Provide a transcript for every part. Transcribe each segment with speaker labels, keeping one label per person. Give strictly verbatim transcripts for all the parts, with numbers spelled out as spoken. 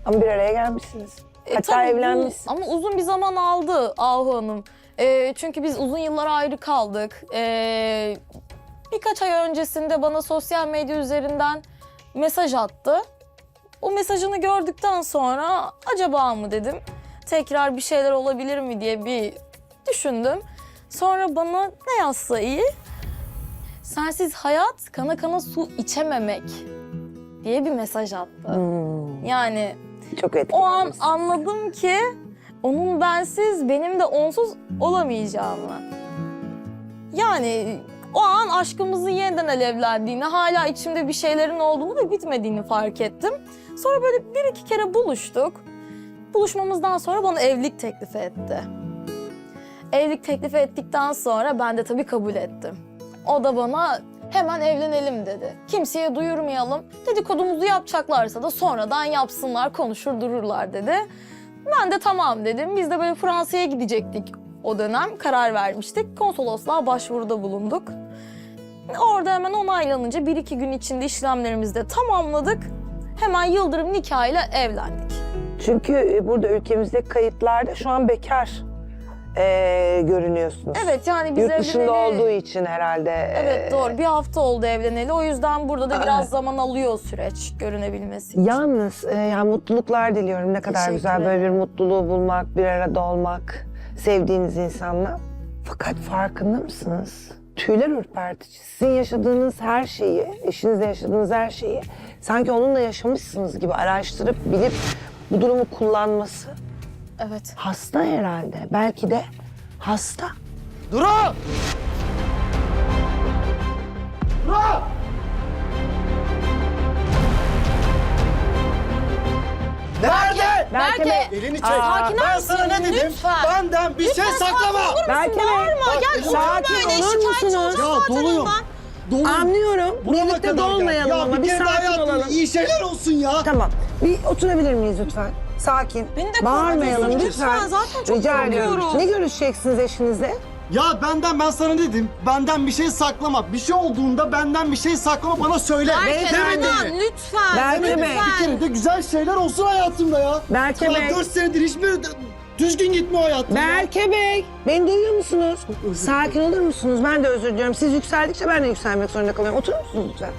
Speaker 1: Ama bir araya gelmişsiniz.
Speaker 2: E,
Speaker 1: Hatta
Speaker 2: tabii bu-
Speaker 1: evlenmişsiniz.
Speaker 2: Ama uzun bir zaman aldı Ahu Hanım. E, çünkü biz uzun yıllar ayrı kaldık. E, birkaç ay öncesinde bana sosyal medya üzerinden mesaj attı. O mesajını gördükten sonra acaba mı dedim. Tekrar bir şeyler olabilir mi diye bir düşündüm. Sonra bana ne yazsa iyi? Sensiz hayat kana kana su içememek diye bir mesaj attı.
Speaker 1: Hmm,
Speaker 2: Yani
Speaker 1: çok
Speaker 2: o an
Speaker 1: etkilenmiş.
Speaker 2: anladım ki onun bensiz benim de onsuz olamayacağımı. Yani o an aşkımızın yeniden alevlendiğini, hala içimde bir şeylerin olduğunu ve bitmediğini fark ettim. Sonra böyle bir iki kere buluştuk. Buluşmamızdan sonra bana evlilik teklifi etti. Evlilik teklifi ettikten sonra ben de tabii kabul ettim. O da bana hemen evlenelim dedi. Kimseye duyurmayalım. Dedikodumuzu yapacaklarsa da sonradan yapsınlar, konuşur dururlar dedi. Ben de tamam dedim. Biz de böyle Fransa'ya gidecektik o dönem. Karar vermiştik. Konsolosluğa başvuruda bulunduk. Orada hemen onaylanınca bir iki gün içinde işlemlerimizi de tamamladık. Hemen yıldırım nikahıyla evlendik.
Speaker 1: Çünkü burada ülkemizdeki kayıtlarda şu an bekar ee, görünüyorsunuz.
Speaker 2: Evet yani biz
Speaker 1: Yurt dışında
Speaker 2: evleneli...
Speaker 1: olduğu için herhalde.
Speaker 2: Evet
Speaker 1: ee,
Speaker 2: doğru. Bir hafta oldu evleneli. O yüzden burada da biraz
Speaker 1: Aa.
Speaker 2: zaman alıyor süreç görünebilmesi için.
Speaker 1: Yalnız e, yani mutluluklar diliyorum. Ne kadar
Speaker 2: Teşekkür
Speaker 1: güzel böyle bir
Speaker 2: ederim.
Speaker 1: mutluluğu bulmak, bir arada olmak, sevdiğiniz insanla. Fakat farkında mısınız? Tüyler ürpertici. Sizin yaşadığınız her şeyi, eşinizle yaşadığınız her şeyi sanki onunla yaşamışsınız gibi araştırıp bilip bu durumu kullanması
Speaker 2: Evet.
Speaker 1: hasta herhalde. Belki de hasta.
Speaker 3: Duru! Duru! Nerede?
Speaker 1: Berke Bey.
Speaker 3: Elini çek.
Speaker 1: Aa,
Speaker 2: Sakin
Speaker 3: Ben
Speaker 2: misin?
Speaker 3: sana ne dedim?
Speaker 2: Lütfen.
Speaker 3: Benden bir şey saklama.
Speaker 1: Berke Bey.
Speaker 3: Bak,
Speaker 2: Gel
Speaker 3: elini-
Speaker 2: oturma
Speaker 1: Sakin
Speaker 2: böyle.
Speaker 1: olur
Speaker 2: Şikayetçi
Speaker 1: musunuz?
Speaker 2: olacağım
Speaker 3: Ya
Speaker 2: zaten
Speaker 3: doluyum.
Speaker 2: ondan.
Speaker 3: Doluyum.
Speaker 1: Anlıyorum.
Speaker 3: Burama
Speaker 1: Birlikte
Speaker 3: kadar geldi.
Speaker 1: dolmayalım
Speaker 3: Ya
Speaker 1: ama
Speaker 3: bir
Speaker 1: bir
Speaker 3: kere daha
Speaker 1: sakin
Speaker 3: hayatım
Speaker 1: olalım.
Speaker 3: iyi şeyler olsun ya.
Speaker 1: Tamam. Bir oturabilir miyiz lütfen? Sakin.
Speaker 2: Beni de
Speaker 1: Bağırmayalım
Speaker 2: korkutuyorsun
Speaker 1: lütfen.
Speaker 2: lütfen. Zaten çok
Speaker 1: Rica ediyorum.
Speaker 2: korkuyorum.
Speaker 1: Ne görüşeceksiniz eşinizle?
Speaker 3: Ya benden ben sana dedim. Benden bir şey saklama. Bir şey olduğunda benden bir şey saklama bana söyle.
Speaker 2: Berke
Speaker 3: Demedin
Speaker 2: Erdoğan,
Speaker 3: mi?
Speaker 2: lütfen.
Speaker 1: Berke
Speaker 2: lütfen.
Speaker 1: Bey.
Speaker 3: Bir kere de güzel şeyler olsun hayatımda ya.
Speaker 1: Berke
Speaker 3: ya
Speaker 1: Bey.
Speaker 3: dört senedir hiçbir düzgün gitmiyor hayatım. ya.
Speaker 1: Berke Bey. Beni duyuyor musunuz?
Speaker 3: özür
Speaker 1: Sakin olur musunuz? Ben de özür diliyorum. Siz yükseldikçe ben de yükselmek zorunda kalıyorum. Oturur musunuz lütfen?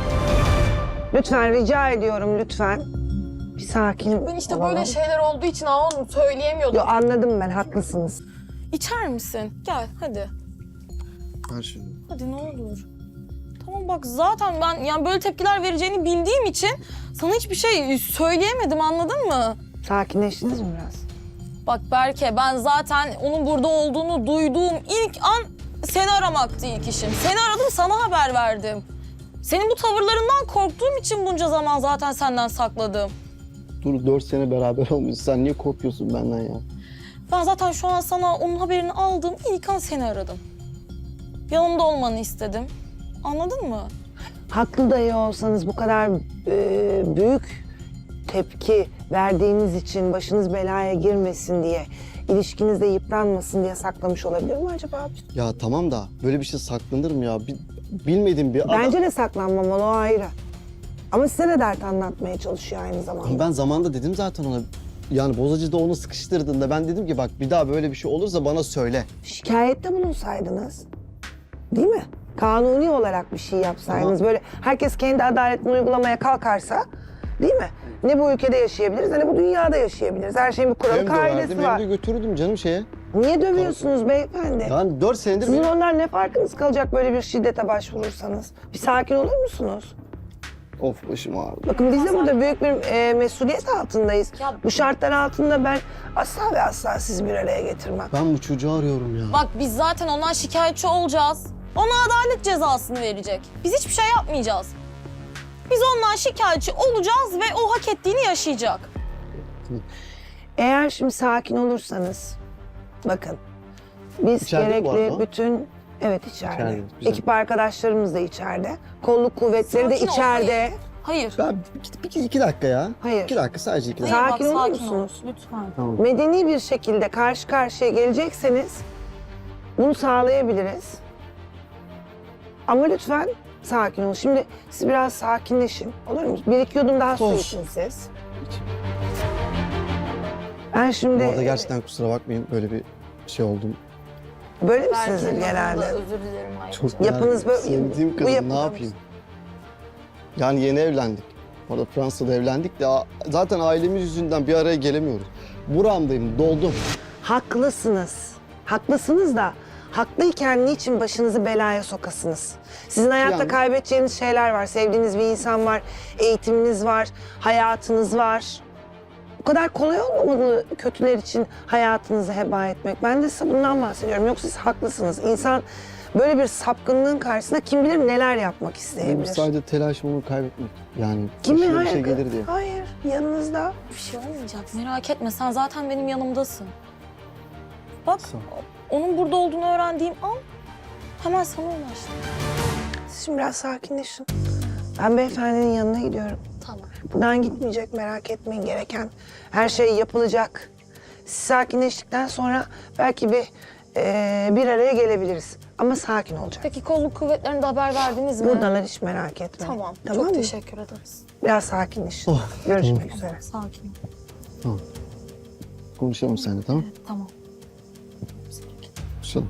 Speaker 1: Lütfen rica ediyorum lütfen. Bir sakin
Speaker 2: Ben işte
Speaker 1: olalım.
Speaker 2: böyle şeyler olduğu için onu söyleyemiyordum.
Speaker 1: Yo, anladım ben, haklısınız.
Speaker 2: İçer misin? Gel hadi.
Speaker 3: Ver şunu.
Speaker 2: Hadi ne olur. Tamam bak zaten ben yani böyle tepkiler vereceğini bildiğim için sana hiçbir şey söyleyemedim, anladın mı?
Speaker 1: Sakinleştiniz mi biraz?
Speaker 2: Bak Berke, ben zaten onun burada olduğunu duyduğum ilk an seni aramaktı ilk işim. Seni aradım, sana haber verdim. Senin bu tavırlarından korktuğum için bunca zaman zaten senden sakladım.
Speaker 4: Dur dört sene beraber olmuşuz. Sen niye korkuyorsun benden ya?
Speaker 2: Ben zaten şu an sana onun haberini aldığım ilk an seni aradım. Yanımda olmanı istedim. Anladın mı?
Speaker 1: Haklı dahi olsanız bu kadar e, büyük tepki verdiğiniz için başınız belaya girmesin diye, ilişkinizde yıpranmasın diye saklamış olabilir mi acaba?
Speaker 4: Ya tamam da böyle bir şey saklanır mı ya? Bi- bilmediğim bir adam.
Speaker 1: Bence de saklanmamalı, o ayrı. Ama size de dert anlatmaya çalışıyor aynı zamanda.
Speaker 4: Ben zamanında dedim zaten ona. Yani bozacıda onu sıkıştırdığında ben dedim ki bak bir daha böyle bir şey olursa bana söyle.
Speaker 1: Şikayette bulunsaydınız, değil mi? Kanuni olarak bir şey yapsaydınız, böyle herkes kendi adaletini uygulamaya kalkarsa, değil mi? Ne bu ülkede yaşayabiliriz, ne bu dünyada yaşayabiliriz. Her şeyin bir kuralı,
Speaker 4: Hem
Speaker 1: kaidesi
Speaker 4: döverdim
Speaker 1: var.
Speaker 4: hem de götürürdüm canım şeye.
Speaker 1: Niye dövüyorsunuz beyefendi?
Speaker 4: Yani dört senedir...
Speaker 1: Sizin
Speaker 4: benim-
Speaker 1: onlar ne farkınız kalacak böyle bir şiddete başvurursanız? Bir sakin olur musunuz?
Speaker 4: Of başım ağrıdı.
Speaker 1: Bakın biz de burada büyük bir e, mesuliyet altındayız.
Speaker 2: Ya-
Speaker 1: Bu şartlar altında ben asla ve asla sizi bir araya getirmem.
Speaker 4: Ben bu çocuğu arıyorum ya.
Speaker 2: Bak biz zaten ondan şikayetçi olacağız. Ona adalet cezasını verecek. Biz hiçbir şey yapmayacağız. Biz ondan şikayetçi olacağız ve o hak ettiğini yaşayacak.
Speaker 1: Eğer şimdi sakin olursanız, bakın biz
Speaker 4: İçeride mi bu
Speaker 1: gerekli
Speaker 4: arada?
Speaker 1: bütün, evet içeride.
Speaker 4: İçeride, güzel.
Speaker 1: Ekip arkadaşlarımız da içeride. Kolluk kuvvetleri de
Speaker 2: Sakin ol,
Speaker 1: içeride.
Speaker 2: Hayır.
Speaker 4: Ben bir, bir, iki dakika ya.
Speaker 1: Hayır.
Speaker 4: İki dakika sadece iki
Speaker 2: Hayır,
Speaker 4: dakika.
Speaker 1: Sakin
Speaker 2: bak,
Speaker 1: olur
Speaker 2: sakin ol.
Speaker 1: musunuz?
Speaker 2: Lütfen.
Speaker 4: Tamam.
Speaker 1: Medeni bir şekilde karşı karşıya gelecekseniz bunu sağlayabiliriz. Ama lütfen sakin olun. Şimdi siz biraz sakinleşin. Olur mu? Bir iki yudum daha su
Speaker 4: Of.
Speaker 1: için siz. Ben şimdi
Speaker 4: Bu arada gerçekten kusura bakmayın böyle bir şey oldum.
Speaker 1: böyle misiniz
Speaker 2: Berke'nin
Speaker 1: genelde?
Speaker 2: adına özür dilerim ayrıca.
Speaker 4: Çok
Speaker 1: Yapınız
Speaker 4: yani
Speaker 1: böyle-
Speaker 4: sevdiğim
Speaker 1: bu
Speaker 4: kadın
Speaker 1: yapıda
Speaker 4: ne yapayım? Yani yeni evlendik. Orada Fransa'da evlendik de a- zaten ailemiz yüzünden bir araya gelemiyoruz. Buramdayım, doldum.
Speaker 1: Haklısınız. Haklısınız da haklıyken niçin başınızı belaya sokasınız? Sizin hayatta
Speaker 4: Yani-
Speaker 1: kaybedeceğiniz şeyler var. Sevdiğiniz bir insan var, eğitiminiz var, hayatınız var. Bu kadar kolay olmamalı kötüler için hayatınızı heba etmek. Ben de size bundan bahsediyorum. Yoksa siz haklısınız. İnsan böyle bir sapkınlığın karşısında kim bilir neler yapmak
Speaker 4: Benim
Speaker 1: isteyebilir.
Speaker 4: sadece telaşım onu kaybetmek. Yani
Speaker 1: Kimin
Speaker 4: başıma bir
Speaker 1: hayır,
Speaker 4: şey gelir diye.
Speaker 1: hayır, yanınızda.
Speaker 2: Bir şey olmayacak merak etme sen zaten benim yanımdasın. Bak
Speaker 4: Sağ ol.
Speaker 2: onun burada olduğunu öğrendiğim an hemen sana ulaştım.
Speaker 1: Siz şimdi biraz sakinleşin. Ben beyefendinin yanına gidiyorum.
Speaker 2: Tamam.
Speaker 1: Buradan gitmeyecek, merak etmeyin, gereken her şey yapılacak. Siz sakinleştikten sonra belki bir eee, bir araya gelebiliriz. Ama sakin olacak.
Speaker 2: Peki kolluk kuvvetlerine haber verdiniz mi?
Speaker 1: Buradalar, hiç merak etmeyin.
Speaker 2: Tamam.
Speaker 1: Tamam
Speaker 2: Çok
Speaker 1: mı?
Speaker 2: teşekkür ederiz.
Speaker 1: Biraz sakinleşin.
Speaker 4: Oh,
Speaker 1: Görüşmek üzere.
Speaker 2: Sakin ol.
Speaker 4: Tamam. Konuşalım seninle tamam?
Speaker 2: Tamam.
Speaker 4: Konuşalım.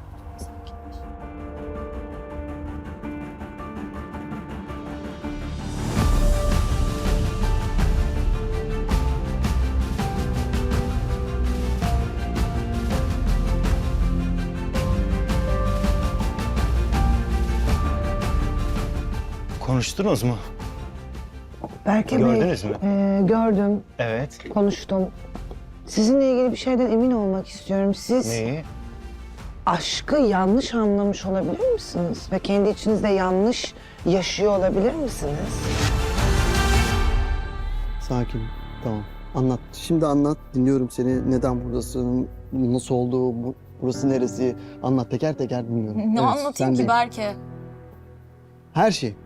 Speaker 5: Konuştunuz mu?
Speaker 1: Berke Bey,
Speaker 5: Gördünüz mü?
Speaker 1: eee, gördüm,
Speaker 5: Evet.
Speaker 1: konuştum. Sizinle ilgili bir şeyden emin olmak istiyorum. Siz
Speaker 5: Neyi?
Speaker 1: aşkı yanlış anlamış olabilir misiniz? Ve kendi içinizde yanlış yaşıyor olabilir misiniz?
Speaker 4: Sakin. Tamam. Anlat. Şimdi anlat. Dinliyorum seni. Neden buradasın? Nasıl oldu? Bu, burası neresi? Anlat. Teker teker dinliyorum.
Speaker 2: Ne
Speaker 4: Evet,
Speaker 2: anlatayım
Speaker 4: sen
Speaker 2: ki
Speaker 4: değil.
Speaker 2: Berke?
Speaker 4: Her şey.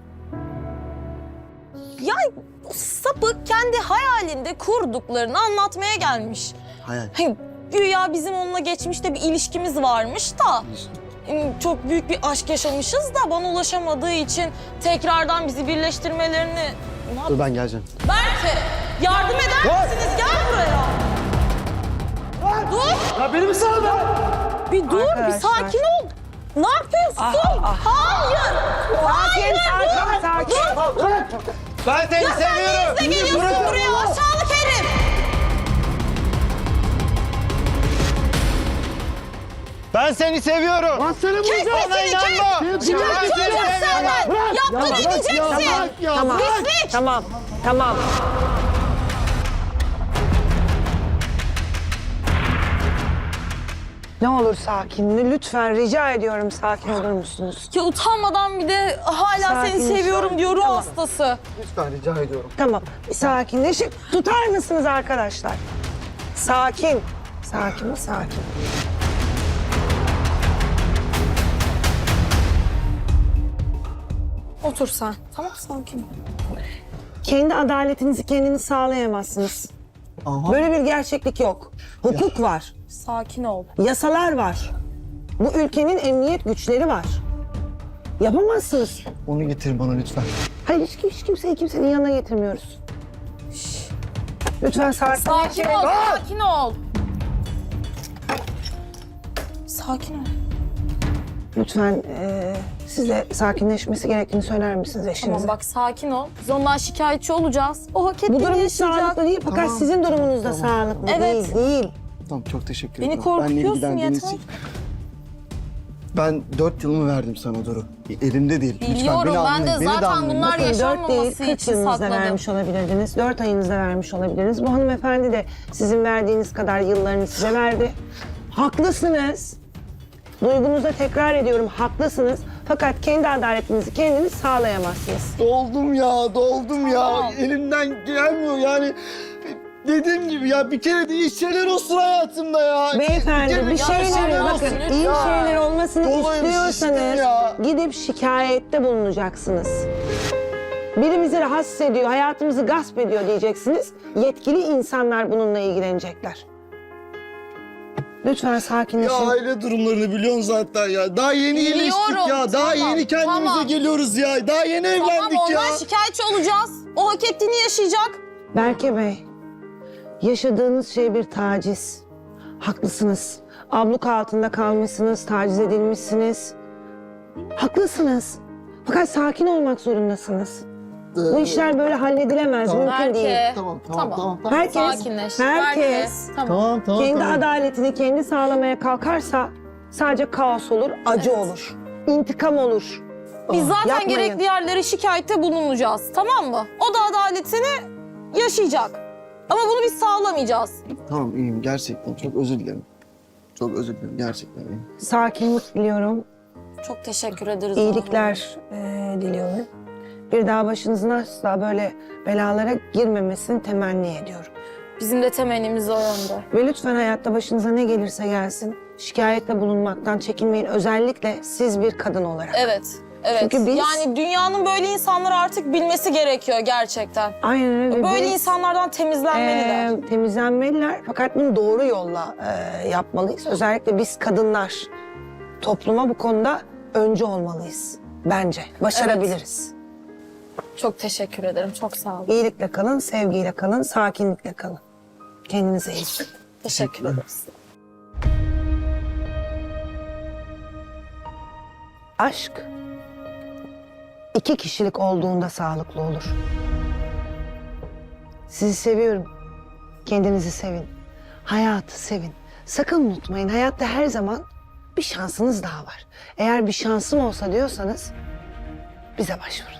Speaker 2: Ya o sapık kendi hayalinde kurduklarını anlatmaya gelmiş.
Speaker 4: Hayal.
Speaker 2: Hani güya bizim onunla geçmişte bir ilişkimiz varmış da ım, çok büyük bir aşk yaşamışız da bana ulaşamadığı için tekrardan bizi birleştirmelerini... Ne yap-
Speaker 4: Dur ben geleceğim.
Speaker 2: Berke yardım eder misiniz? Gel buraya. Dur.
Speaker 3: Ya benim sana be!
Speaker 2: Bir dur, bir
Speaker 1: Arkadaşlar.
Speaker 2: sakin ol. Ne yapıyorsun? Hayır.
Speaker 1: Sakin, sakin, sakin.
Speaker 5: Ben seni seviyorum.
Speaker 2: Ne geliyorsun buraya aşağılık herif?
Speaker 5: Ben seni seviyorum.
Speaker 3: Lan seni
Speaker 2: Kes
Speaker 3: vuracağım!
Speaker 2: sesini kes.
Speaker 3: Seni
Speaker 2: Çıkartacağım senden. Yaptığını ödeyeceksin.
Speaker 3: Ya
Speaker 1: Tamam,
Speaker 2: Pislik.
Speaker 1: tamam, tamam. Ne olur sakin, lütfen rica ediyorum sakin olur musunuz?
Speaker 2: Ya utanmadan bir de hala seni
Speaker 1: Sakin,
Speaker 2: seviyorum
Speaker 1: sakin.
Speaker 2: diyor ruh
Speaker 1: Tamam.
Speaker 2: hastası.
Speaker 4: Lütfen rica ediyorum.
Speaker 1: Tamam, bir sakinleşin. Tutar mısınız arkadaşlar? Sakin, sakin mi sakin?
Speaker 2: Otur sen. Tamam sakin ol.
Speaker 1: Kendi adaletinizi kendiniz sağlayamazsınız.
Speaker 4: Aha.
Speaker 1: Böyle bir gerçeklik yok. Hukuk var,
Speaker 2: Sakin ol.
Speaker 1: yasalar var. Bu ülkenin emniyet güçleri var. Yapamazsınız.
Speaker 4: Onu getir bana lütfen.
Speaker 1: Hayır, hiç, hiç kimseyi kimsenin yanına getirmiyoruz. Lütfen sakin.
Speaker 2: Sakin ol, sakin ol. Sakin ol.
Speaker 1: Lütfen eee siz de sakinleşmesi gerektiğini söyler misiniz eşinize?
Speaker 2: Tamam bak sakin ol. Biz ondan şikayetçi olacağız. O hak
Speaker 1: Bu
Speaker 2: ettiğini
Speaker 1: durum hiç
Speaker 2: yaşayacak.
Speaker 1: sağlıklı değil fakat
Speaker 4: Tamam.
Speaker 1: sizin durumunuz da
Speaker 4: Tamam.
Speaker 1: sağlıklı
Speaker 2: Evet.
Speaker 1: değil, değil.
Speaker 4: Tamam çok teşekkür
Speaker 2: Beni
Speaker 4: ederim.
Speaker 2: korkutuyorsun,
Speaker 4: Benle ilgilendiğiniz
Speaker 2: yeter.
Speaker 4: için. Ben dört yılımı verdim sana Duru. Elimde değil. Lütfen
Speaker 2: Biliyorum,
Speaker 4: beni
Speaker 2: ben
Speaker 4: anlayın.
Speaker 2: de
Speaker 4: Beni de
Speaker 2: zaten
Speaker 4: anlayın.
Speaker 2: bunlar
Speaker 4: Bakın,
Speaker 1: Bakın dört değil,
Speaker 2: yaşanmaması
Speaker 1: kırk
Speaker 2: için
Speaker 1: yılınızda
Speaker 2: sakladım.
Speaker 1: vermiş olabilirdiniz, dört ayınızda vermiş olabilirdiniz. Bu hanımefendi de sizin verdiğiniz kadar yıllarını size verdi. Haklısınız. Duygunuza tekrar ediyorum, haklısınız. Fakat kendi adaletinizi kendiniz sağlayamazsınız.
Speaker 4: Doldum ya, doldum ya.
Speaker 2: Tamam.
Speaker 4: Elimden gelmiyor yani. Dediğim gibi ya bir kere de iyi şeyler olsun hayatımda ya.
Speaker 1: Beyefendi
Speaker 4: kere
Speaker 1: bir
Speaker 4: de
Speaker 1: şeyler,
Speaker 2: şeyler
Speaker 1: bakın
Speaker 2: olsun
Speaker 1: iyi
Speaker 2: lütfen.
Speaker 1: şeyler olmasını
Speaker 4: Dolayım şiştim
Speaker 1: istiyorsanız
Speaker 4: ya.
Speaker 1: gidip şikayette bulunacaksınız. Biri bizi rahatsız ediyor, hayatımızı gasp ediyor diyeceksiniz. Yetkili insanlar bununla ilgilenecekler. Lütfen
Speaker 4: Ya
Speaker 1: sakinleşin.
Speaker 4: aile durumlarını biliyorsun zaten ya. Daha yeni
Speaker 2: Biliyorum,
Speaker 4: iyileştik ya. Daha
Speaker 2: tamam,
Speaker 4: yeni kendimize
Speaker 2: tamam.
Speaker 4: geliyoruz ya. Daha yeni
Speaker 2: Tamam
Speaker 4: evlendik ya.
Speaker 2: ondan şikayetçi olacağız. O hak ettiğini yaşayacak.
Speaker 1: Berke Bey, Yaşadığınız şey bir taciz. Haklısınız. Abluka altında kalmışsınız, taciz edilmişsiniz. Haklısınız. Fakat sakin olmak zorundasınız. Bu işler böyle halledilemez,
Speaker 4: Tamam.
Speaker 1: mümkün değil.
Speaker 2: Berke.
Speaker 4: Tamam, tamam,
Speaker 2: Tamam.
Speaker 4: tamam, tamam.
Speaker 1: Herkes,
Speaker 2: Sakinleş.
Speaker 1: herkes
Speaker 2: Tamam.
Speaker 4: Tamam, tamam,
Speaker 1: kendi
Speaker 4: tamam.
Speaker 1: adaletini kendi sağlamaya kalkarsa sadece kaos olur, acı
Speaker 2: Evet.
Speaker 1: olur, intikam olur.
Speaker 2: Biz zaten
Speaker 1: Yapmayın.
Speaker 2: gerekli yerlere şikayette bulunacağız. Tamam mı? O da adaletini yaşayacak. Ama bunu biz sağlamayacağız.
Speaker 4: Tamam, iyiyim. Gerçekten çok özür dilerim. Çok özür dilerim. Gerçekten iyiyim.
Speaker 1: Sakinlik diliyorum,
Speaker 2: Çok teşekkür ederiz.
Speaker 1: iyilikler eee, diliyorum. Bir daha başınızın asla böyle belalara girmemesini temenni ediyorum.
Speaker 2: Bizim de temennimiz o yönde.
Speaker 1: Ve lütfen hayatta başınıza ne gelirse gelsin, şikayette bulunmaktan çekinmeyin. Özellikle siz bir kadın olarak.
Speaker 2: Evet. Evet.
Speaker 1: Çünkü biz-
Speaker 2: Yani dünyanın böyle insanları artık bilmesi gerekiyor gerçekten.
Speaker 1: Aynen öyle.
Speaker 2: Böyle
Speaker 1: Biz,
Speaker 2: insanlardan temizlenmeliler.
Speaker 1: eee, temizlenmeliler. Fakat bunu doğru yolla eee, yapmalıyız. Özellikle biz kadınlar topluma bu konuda öncü olmalıyız. Bence. Başarabiliriz.
Speaker 2: Çok teşekkür ederim. Çok sağ olun.
Speaker 1: İyilikle kalın, sevgiyle kalın, sakinlikle kalın. Kendinize iyi bakın.
Speaker 2: Teşekkür ederiz.
Speaker 1: Aşk iki kişilik olduğunda sağlıklı olur. Sizi seviyorum. Kendinizi sevin. Hayatı sevin. Sakın unutmayın, hayatta her zaman bir şansınız daha var. Eğer bir şansım olsa diyorsanız bize başvurun.